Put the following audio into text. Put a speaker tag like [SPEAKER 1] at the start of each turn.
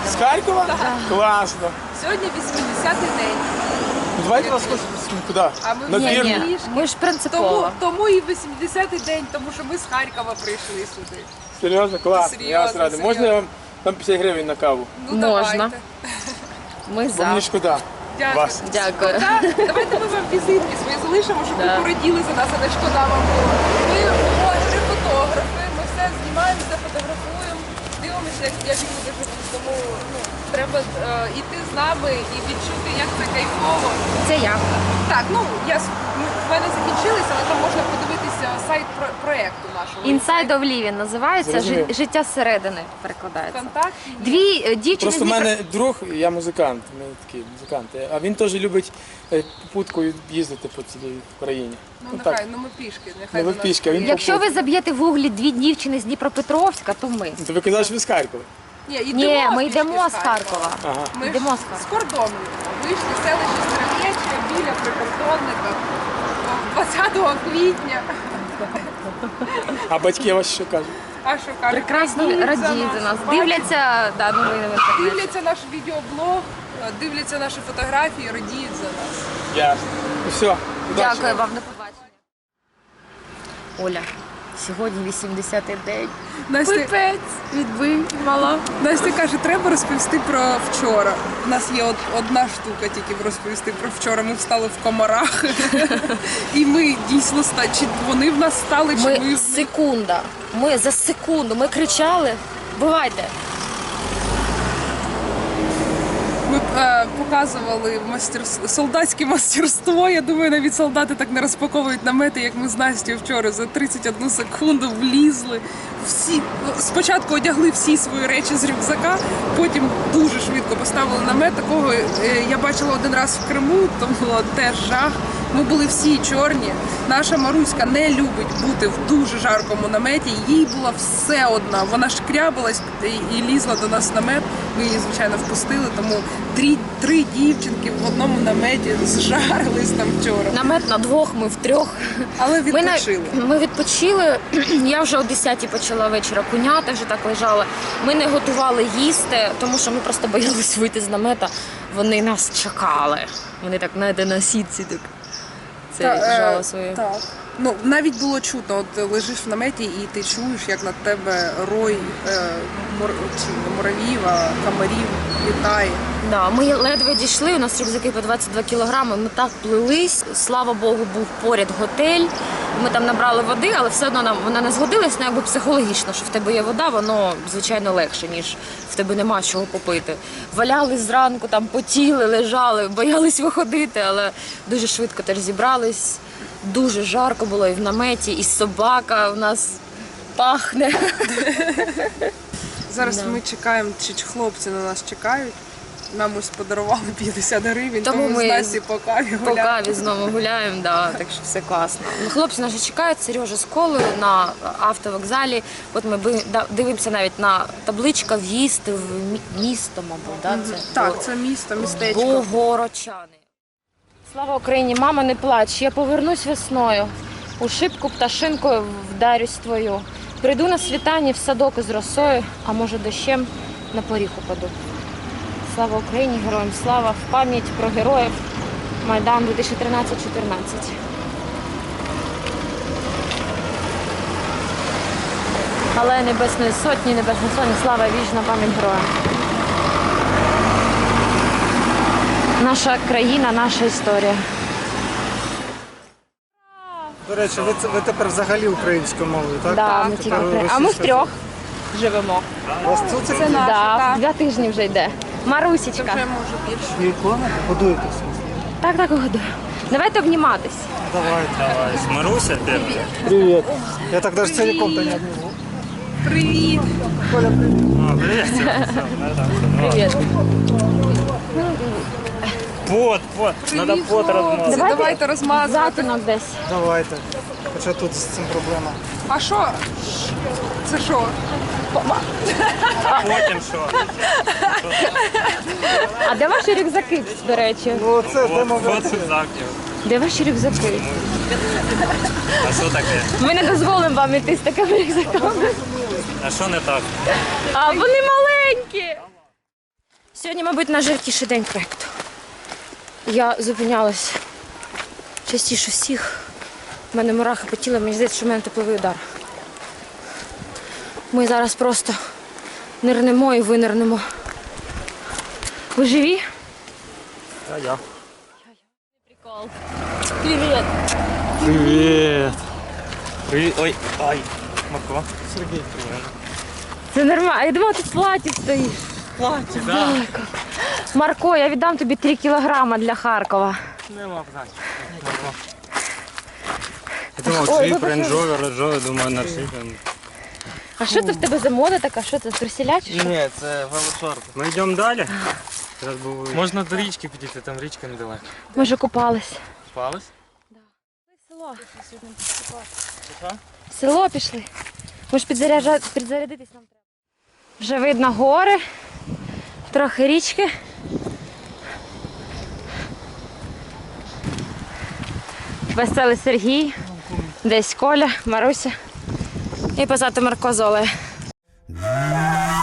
[SPEAKER 1] їдемо.
[SPEAKER 2] З Харкова?
[SPEAKER 1] Так.
[SPEAKER 2] Класно.
[SPEAKER 1] Сьогодні 80-й день.
[SPEAKER 2] Давайте вас куди?
[SPEAKER 1] А ми
[SPEAKER 2] На
[SPEAKER 1] ні,
[SPEAKER 2] двір?
[SPEAKER 1] ні.
[SPEAKER 3] Ми ж принципово.
[SPEAKER 1] Тому і 80-й день, тому що ми з Харкова прийшли сюди.
[SPEAKER 2] Серйозно? Клас.
[SPEAKER 1] Серйозно,
[SPEAKER 2] Я вас радий. Можна я вам там 50 гривень на каву?
[SPEAKER 1] Ну,
[SPEAKER 3] Можна.
[SPEAKER 1] давайте.
[SPEAKER 3] Ми
[SPEAKER 2] Бо мені
[SPEAKER 3] за.
[SPEAKER 2] шкода.
[SPEAKER 1] Дякую.
[SPEAKER 2] Вас.
[SPEAKER 3] Дякую.
[SPEAKER 1] Так, давайте ми вам візитки свої залишимо, щоб ви пораділи за нас, а не шкода вам було. Ми блогери, фотографи, ми все знімаємо, все фотографуємо, дивимося, як люди живуть. Тому треба йти з нами і відчути, як це кайфово.
[SPEAKER 3] Це я.
[SPEAKER 1] Так, в мене закінчилися, але там можна подивитися сайт проєкту нашого.
[SPEAKER 3] Inside of Living називається.
[SPEAKER 2] Зрозумів.
[SPEAKER 3] Життя зсередини перекладається.
[SPEAKER 1] Контакт.
[SPEAKER 3] Дві дівчини
[SPEAKER 2] Просто в
[SPEAKER 3] з Дніпра-
[SPEAKER 2] мене друг, я музикант, ми такі музиканти, а він теж любить попуткою їздити по цілій Україні.
[SPEAKER 1] Ну
[SPEAKER 2] так.
[SPEAKER 1] нехай, ми пішки, нехай
[SPEAKER 2] Ну, ви
[SPEAKER 1] до нас
[SPEAKER 2] пішки, а він
[SPEAKER 1] приїде.
[SPEAKER 3] Якщо ви заб'єте в гуглі дві дівчини з Дніпропетровська, то ми.
[SPEAKER 2] То ви казали, що ви з Харкова.
[SPEAKER 3] Ні, ми
[SPEAKER 1] пішки
[SPEAKER 3] йдемо з Харкова.
[SPEAKER 2] Ага.
[SPEAKER 1] Ми
[SPEAKER 3] Йдемо
[SPEAKER 1] ж
[SPEAKER 3] з Харкова.
[SPEAKER 1] з кордону вийшли в селище Стрелечка біля прикордонника 20 квітня.
[SPEAKER 2] А батьки вас що кажуть?
[SPEAKER 1] А що кажуть?
[SPEAKER 3] Прекрасно радіють за нас. Дивляться новини в інтернеті.
[SPEAKER 1] Дивляться наш відеоблог, дивляться наші фотографії, радіють за нас.
[SPEAKER 2] Ясно. Ну все, удачі
[SPEAKER 3] Дякую вам, до побачення. Оля, сьогодні 80-й день.
[SPEAKER 1] Настя,
[SPEAKER 3] Відбий, мала.
[SPEAKER 1] Настя каже, треба розповісти про вчора. У нас є одна штука тільки розповісти про вчора. Ми встали в комарах. І ми дійсно чи вони в нас стали, чи ми
[SPEAKER 3] Ми секунда. Ми за секунду. Ми кричали. Бувайте.
[SPEAKER 1] Ми показували солдатське мастерство. Я думаю, навіть солдати так не розпаковують намети, як ми з Настю вчора. За 31 секунду влізли. Спочатку одягли всі свої речі з рюкзака, потім дуже швидко поставили намет. Такого я бачила один раз в Криму, то було теж жах. Ми були всі чорні. Наша Маруська не любить бути в дуже жаркому наметі. Їй була все одна. Вона шкрябалась і лізла до нас в намет. Ми її, звичайно, впустили, тому три дівчинки в одному наметі зжарились там вчора.
[SPEAKER 3] Намет на двох, ми втрьох.
[SPEAKER 1] Але відпочили.
[SPEAKER 3] Ми відпочили. Я вже о 10-й почала вечора куняти, вже так лежала. Ми не готували їсти, тому що ми просто боялись вийти з намета. Вони нас чекали. Вони так, знаєте, на сітці так. Це жало своє.
[SPEAKER 1] Так. Навіть було чутно, от лежиш в наметі і ти чуєш, як над тебе рой муравів, комарів літає.
[SPEAKER 3] Да, ми ледве дійшли, у нас рюкзаки по 22 кілограми, ми так плились, слава Богу, був поряд готель, ми там набрали води, але все одно вона не згодилась, якби психологічно, що в тебе є вода, воно, звичайно, легше, ніж в тебе нема чого попити. Валялись зранку, там потіли, лежали, боялись виходити, але дуже швидко теж зібрались, дуже жарко було і в наметі, і собака у нас пахне.
[SPEAKER 1] Зараз ми чекаємо, чи хлопці на нас чекають. Нам ось подарували 50 гривень, тому ми з Насті по каві гуляємо.
[SPEAKER 3] По каві знову гуляємо, да, так що все класно. Хлопці наші чекають, Сережа з колою на автовокзалі. От ми дивимося навіть на табличка «В'їзд в місто», мабуть. Да?
[SPEAKER 1] Так, це місто, містечко.
[SPEAKER 3] Богородчани. Слава Україні, мама, не плач, я повернусь весною, у шибку пташинкою вдарюсь твою. Прийду на світанні в садок із росою, а може дощем на поріг упаду. Слава Україні, героям слава, в пам'ять про героїв Майдан 2013-14. Але Небесної Сотні, Небесної Сотні, слава, вічна пам'ять героям. Наша країна, наша історія.
[SPEAKER 4] До речі, ви тепер взагалі українською мовою, так?
[SPEAKER 3] Да, ми тільки а ми втрьох живемо.
[SPEAKER 4] У вас цуцик?
[SPEAKER 1] Це наша,
[SPEAKER 3] Да,
[SPEAKER 1] так.
[SPEAKER 3] 2 тижні вже йде.
[SPEAKER 1] Це
[SPEAKER 3] Марусечка.
[SPEAKER 1] вже може більше.
[SPEAKER 4] І ікона? Годуєтеся?
[SPEAKER 3] Так, годую. Давайте обніматись.
[SPEAKER 4] Давайте.
[SPEAKER 5] Давай, Маруся первая.
[SPEAKER 4] Привіт. Я так даже целиком-то не обниму.
[SPEAKER 1] Привіт!
[SPEAKER 4] Коля, привіт.
[SPEAKER 5] Привет.
[SPEAKER 3] Привіт.
[SPEAKER 5] Пот. Надо пот размазать.
[SPEAKER 1] Давайте розмазувати.
[SPEAKER 3] Затінок десь.
[SPEAKER 4] Давайте. Хоча тут з цим проблема.
[SPEAKER 1] А що? Це що?
[SPEAKER 5] Потім що?
[SPEAKER 3] А де ваші рюкзаки, до речі?
[SPEAKER 4] Ну це демо
[SPEAKER 5] Вот рюкзак.
[SPEAKER 3] Де ваші рюкзаки?
[SPEAKER 5] А що таке?
[SPEAKER 3] Ми не дозволимо вам іти з такими рюкзаками.
[SPEAKER 5] А що не так?
[SPEAKER 3] А вони маленькі. Сьогодні, мабуть, найжаркіший день проєкту. Я зупинялась частіше всіх. У мене мурахи по тілу, мені здається, що в мене тепловий удар. Ми зараз просто нирнемо і винирнемо. Ви живі?
[SPEAKER 5] А я.
[SPEAKER 3] Прикол. Привіт.
[SPEAKER 5] Привіт. Привіт. Ой, ай. Марко.
[SPEAKER 2] Сергій.
[SPEAKER 3] Це нормально. Я думала, ти в платі стоїш.
[SPEAKER 2] Платі,
[SPEAKER 3] Далеко. Марко, я віддам тобі 3 кілограма для Харкова.
[SPEAKER 2] Нема питань.
[SPEAKER 5] Я думав,
[SPEAKER 3] Ой,
[SPEAKER 5] джип,
[SPEAKER 3] вибачте.
[SPEAKER 5] рейндж-ровер, думаю, на джип.
[SPEAKER 3] А що це в тебе за мода така? Що це, труселя чи що?
[SPEAKER 2] Ні, це велошорти.
[SPEAKER 5] Ми йдемо далі. Зараз був...
[SPEAKER 2] Можна до річки підійти, там річка недалеко.
[SPEAKER 3] Ми вже купались.
[SPEAKER 2] Спались?
[SPEAKER 3] Село.
[SPEAKER 2] Що?
[SPEAKER 3] Село пішли. Може підзарядитись нам треба. Вже видно гори, трохи річки. Веселий Сергій, десь Коля, Маруся і позаду Марко з Олею.